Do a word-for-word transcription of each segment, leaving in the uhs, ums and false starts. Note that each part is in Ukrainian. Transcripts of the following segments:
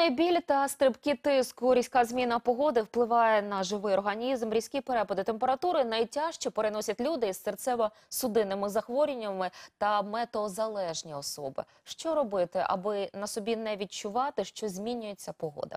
Головний біль та стрибки тиску. Різка зміна погоди впливає на живий організм. Різкі перепади температури найтяжче переносять люди із серцево-судинними захворюваннями та метеозалежні особи. Що робити, аби на собі не відчувати, що змінюється погода?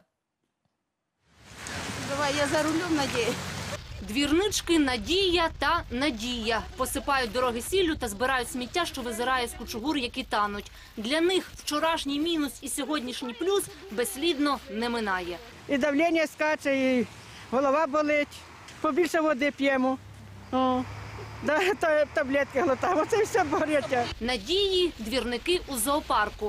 Давай, я за рулем, Надія. Двірнички Надія та Надія посипають дороги сіллю та збирають сміття, що визирає з кучугур, які тануть. Для них вчорашній мінус і сьогоднішній плюс безслідно не минає. І давлення скаче, і голова болить. Побільше води п'ємо. О, да, та, таблетки глотаємо, це все борються. Надії – двірники у зоопарку.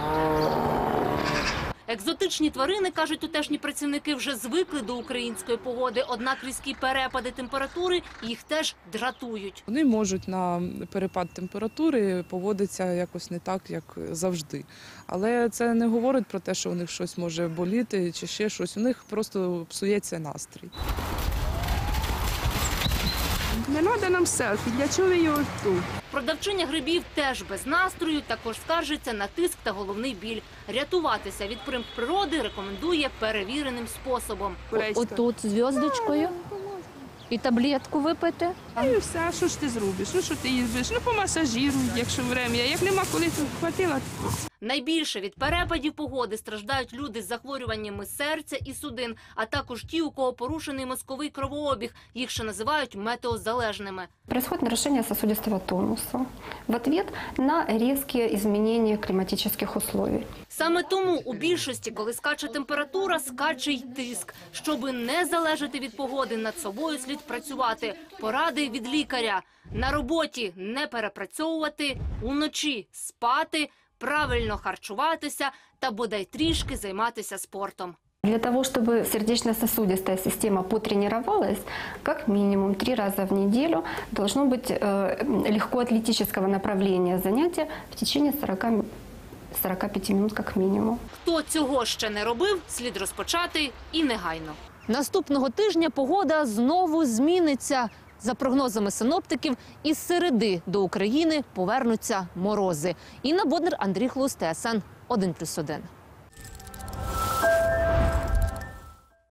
Екзотичні тварини, кажуть тутешні працівники, вже звикли до української погоди, однак різкі перепади температури їх теж дратують. Вони можуть на перепад температури поводитися якось не так, як завжди. Але це не говорить про те, що у них щось може боліти чи ще щось. У них просто псується настрій. Не треба нам селфі, для чого ви його тут? Продавчиня грибів теж без настрою, також скаржиться на тиск та головний біль. Рятуватися від примх природи рекомендує перевіреним способом. Отут зв'язочкою і таблетку випити. І все, а що ж ти зробиш? Ну що ти їздиш? Ну помасажируй, якщо время. Як нема коли, то хватило. Найбільше від перепадів погоди страждають люди з захворюваннями серця і судин, а також ті, у кого порушений мозковий кровообіг. Їх ще називають метеозалежними. Происходит нарушение сосудистого тонуса в ответ на резкие изменения климатических условий. Саме тому у більшості, коли скаче температура, скаче й тиск. Щоби не залежати від погоди, над собою слід працювати. Поради від лікаря. На роботі не перепрацьовувати, уночі спати, правильно харчуватися та бодай трішки займатися спортом. Для того, чтобы сердечно-сосудистая система потренировалась, как минимум три раза в неделю должно быть э, легкоатлетического направления занятия в течение сорока пяти минут как минимум. Хто цього ще не робив, слід розпочати і негайно. Наступного тижня погода знову зміниться. За прогнозами синоптиків, із середи до України повернуться морози. Інна Боднар, Андрій Хлус, ТСН один плюс один.